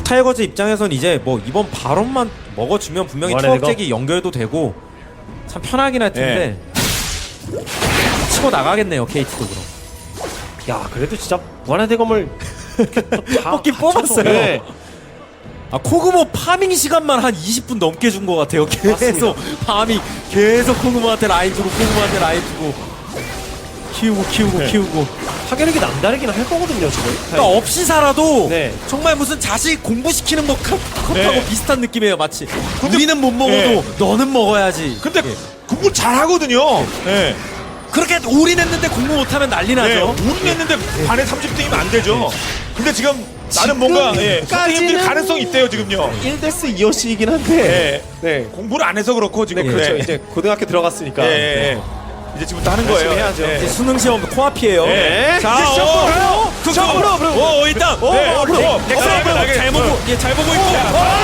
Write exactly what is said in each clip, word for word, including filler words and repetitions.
타이거즈 입장에선 이제 뭐 이번 발언만 먹어주면 분명히 투업잭이 연결도 되고 참 편하긴 할 텐데 네. 치고 나가겠네요. 케이티도 그럼. 야 그래도 진짜 무한의 대검을 다 뽑긴 뽑았어요. 네. 아 코그모 파밍 시간만 한 이십 분 넘게 준 것 같아요. 계속 맞습니다. 파밍 계속 코그모한테 라인 주고 코그모한테 라인 주고 키우고 키우고 네. 키우고 파괴력이 남다르긴 할 거거든요 지금. 그러니까 없이 살아도 네. 정말 무슨 자식 공부시키는 것 같하고 네. 비슷한 느낌이에요 마치. 근데, 우리는 못 먹어도 네. 너는 먹어야지. 근데 예. 공부 잘하거든요. 네. 그렇게 올인했는데 공부 못하면 난리 나죠. 네. 올인했는데 네. 반에 삼십 등이면 안 되죠. 네. 근데 지금 나는 뭔가 예, 선생님들 가능성이 있대요 지금요. 일 대스 이어씨이긴 한데 네. 네. 공부를 안 해서 그렇고 지금 네, 그렇죠. 네. 이제 고등학교 들어갔으니까 네. 네. 이제 지금부터 하는 거예요. 해야죠. 네. 이제 수능 시험 코앞이에요. 네. 자, 오, 그 점으로, 오, 일단, 오, 네. 오, 잘 보고, 예, 잘 보고 있고.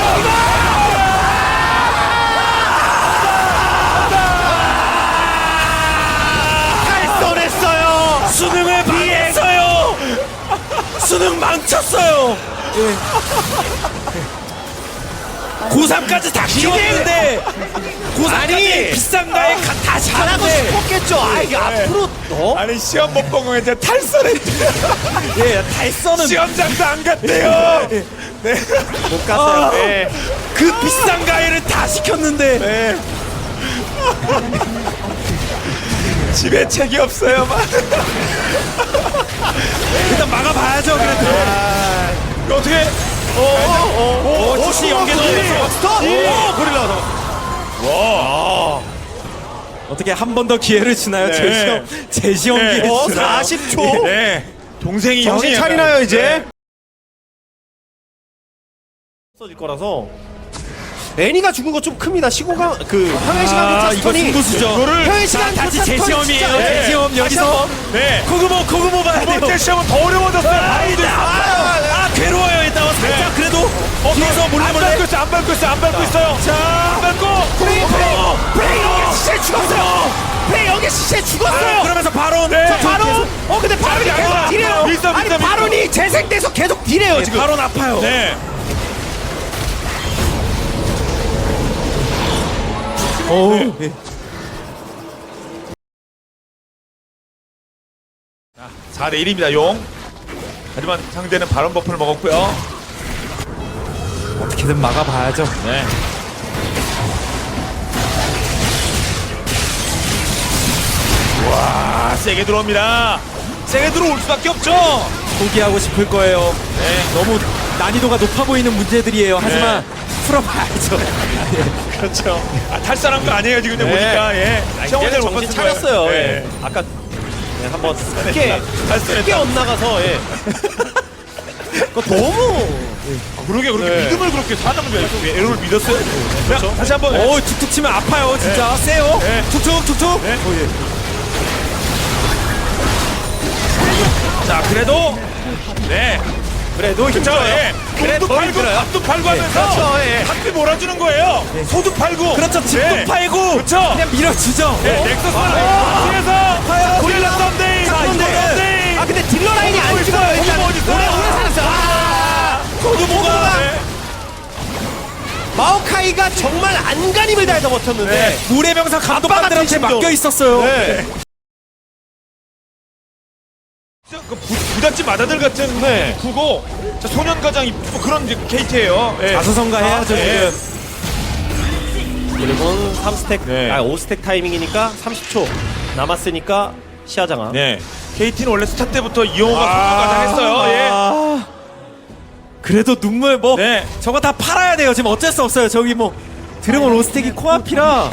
탈선했어요. 수능을 망했어요. 수능 망쳤어요. 예. 고삼까지 다 키웠는데 고삼까지 비싼가에 다 잘하고 싶었겠죠. 아 이게 앞으로 너 아니 시험 못 본 거에 이제 탈선했대요. 예, 탈선은 시험장도 안 갔대요. 네. 못 갔어요. 아, 네. 그 비싼 가해를 다 시켰는데 네. 집에 책이 없어요. 막. 일단 막아봐야죠. 그래도 아, 이거 어떻게? 오오오 혹시 연계 넣었어? 스톱! 오 고릴라 와 어떻게 한 번 더 기회를 주나요? 네. 제시험 제시험 네. 기회 어, 주나요? 사십 초. 네. 동생이 정신 형이 차리나요 약간, 이제? 네. 써질 거라서 애니가 죽은 거 좀 큽니다. 시고가 그 평행 시간 아, 교차 이거 스턴이 승부수죠. 이거를 평행 시간 다시 교차 스턴이 제시험이에요. 진짜- 네. 제시험 여기서 네. 코그모 코그모 봐야 두 돼요. 번째 시험은 더 어려워졌어요. 바이든. 아, 아 괴로워요 일단 살짝 그래도 어, 뒤에서 몰래 안 몰래 밟고 있어, 안 밟고 있어, 안 밟고 있어요. 자 안 밟고. 프레이 프레이 프레이 여기 시체 죽었어요. 프레이 여기 시체 죽었어요. 아, 그러면서 바로 네. 자, 바론 어 근데 바론이 아니, 계속 아니, 딜해요. 밀서, 아니 밀서, 밀서. 바론이 재생돼서 계속 딜해요 지금. 바로 아파요. 네. 오. 네. 사 대 일입니다, 용. 하지만 상대는 바론 버프를 먹었고요. 어떻게든 막아봐야죠. 네. 와, 세게 들어옵니다. 세게 들어올 수밖에 없죠. 포기하고 싶을 거예요. 네. 너무 난이도가 높아 보이는 문제들이에요. 하지만 네. 풀어봐야죠. 그렇죠. 아, 탈선한 거 아니에요, 지금 네. 보니까. 예. 아, 시험을 이제는 못 정신 봤을 거예요. 차렸어요. 예. 예. 아까 네, 한번 크게 탈선했다. 크게 엇나가서 예. 그거 너무 아, 그러게 그렇게 네. 믿음을 그렇게 사람을 왜 에로를 믿었어요? 그렇죠. 다시 한번. 오 툭툭 치면 아파요 진짜. 세요. 네. 툭툭 툭툭. 네. 오, 예. 자, 그래도 네. 그래도 그렇죠. 힘들어요. 예. 그래도 돈도 팔고 힘들어요. 밥도 팔고 하면서 그렇죠. 예. 학비 몰아주는 거예요. 소도 팔고. 그렇죠. 집도 네. 팔고 그렇죠. 그냥 밀어주죠. 네. 넥서스 뒤에서 고릴라 썬데이. 자, 근데 썬데이. 아 근데 딜러 라인이 안 죽어요. 일단 어디 있어요? 오래 오래 살았어요. 아, 소두모가. 네. 마오카이가 정말 안간힘을 다해서 버텼는데 네. 물의 명사 감독관들한테 심정. 맡겨 있었어요. 네. 그 부, 부잣집 마다들 같은 네. 구고 자, 소년가장 뭐 그런 이제 케이트예요. 네. 자수성가 해야죠. 네. 지금. 그리고는 삼 스택 네. 아 오 스택 타이밍이니까 삼십 초 남았으니까 시야장아. 네. 케이티는 원래 스타 때부터 이용호가 아, 소년가장 했어요. 예. 아, 그래도 눈물 뭐 네. 저거 다 팔아야 돼요. 지금 어쩔 수 없어요. 저기 뭐 드래곤 로스텍이 코앞이라.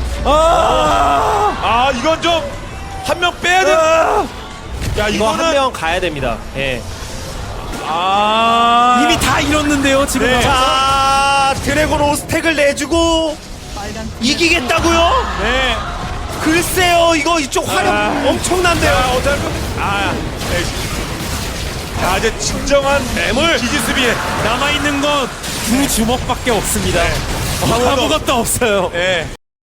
아, 아 이건 좀 한 명 빼야 돼. 아, 야 이거 이거는 한 명 가야 됩니다. 예. 아 이미 다 잃었는데요. 지금. 네. 자 드래곤 오 스택을 내주고 이기겠다고요? 네. 글쎄요 이거 이쪽 화력 아. 엄청난데요. 자 어쩔 아 네. 자 이제 진정한 매물 기지수비에 남아 있는 건 두 주먹밖에 없습니다. 어, 아무것도 아무것도 없어요. 네.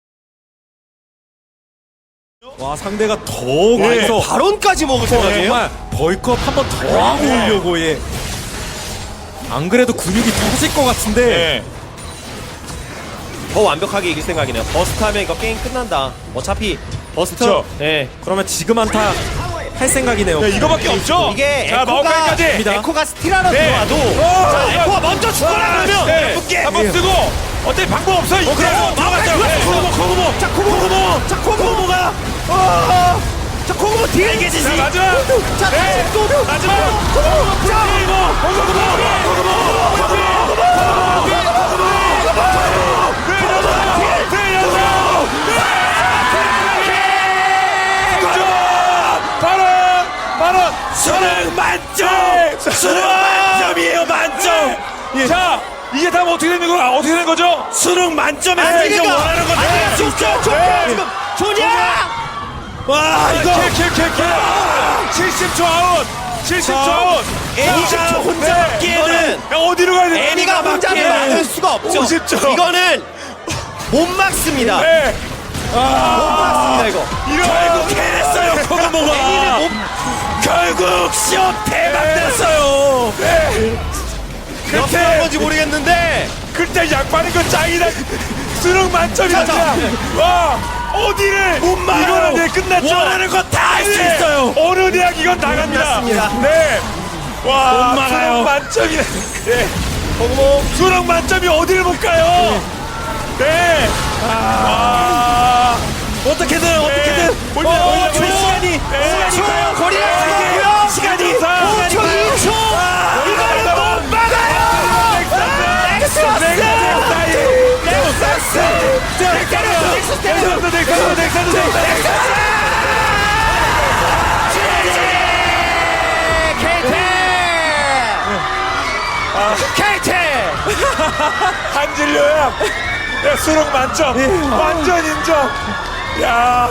와 상대가 더 네. 가서 발언까지 먹을 어, 생각이에요? 정말 벌컵 한 번 더 하고 네. 오려고 예. 안 그래도 근육이 터질 것 같은데 네. 더 완벽하게 이길 생각이네요. 버스트 하면 이거 게임 끝난다. 어차피 버스트. 그쵸. 네. 그러면 지금 한타 할 생각이네요. 네, 이거밖에 없죠. 이게 자, 에코가 마오카이까지. 에코가 스틸하러 네. 들어와도 어, 자, 어, 에코가 먼저 죽어라 그러면 네. 붙게. 한번 쓰고 어때 방법 없어 이제. 그럼 마오카이 네. 코그모 코그모. 자 코그모. 자 코그모가. 어. 자 코그모 뒤에 계시지. 자, 마지막. 자 네. 다시 또 마지막. 코그모. 자 바로 바로 수능 만점. 수능 만점이에요 만점. 자 이게 다음 어떻게 되는 거야? 어떻게 되는 거죠? 수능 만점에서 이제 원하는 거 다. 좋죠 좋죠 지금 조냐. 와 이거 킬킬킬킬 칠십 초 아웃 칠십 초 아웃 애니가 혼자 막기에는 야, 어디로 가야 돼? 애니가 혼자 막을 수가 없죠. 오십 초. 이거는 못 막습니다. 네. 못 막습니다 이거. 이거 결국 해냈어요 코그모가. 애니는 못. 결국 시험 대박 났어요. 네. 어떻게 한 건지 모르겠는데. 그때 약반인 거 짱이다. 수능 만점이다. 자, 자. 와 어디를 못 막아요. 이거는 네 끝났죠. 원하는 거 다 할 수 네. 있어요. 어느 대학 이건 나갑니다. 끝났습니다. 네. 와 못 막아요. 수능 만점이네. 네. 코그모. 수능 만점이 어디를 못 가요? 네. 아. 어떻게든 어떻게든. 몰려, 어, 몰려, 초 몰려. 시간이 네. 시간이 가요. 거리가 시간이 가고요. 시간이 시간이 가요. 오 초 이 초. 이거는 못 막아요. 넥서스. 넥서스. 넥서스. 넥서스. 넥서스 넥서스 넥서스 케이티. 한진료야. 야, 수능 만점. 완전 인정. 야,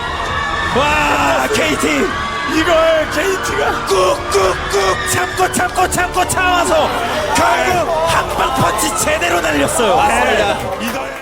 와 케이티. 이걸 케이티가 꾹꾹꾹 참고 참고 참고 참아서 결국 한방 펀치 제대로 날렸어요. 네. 이걸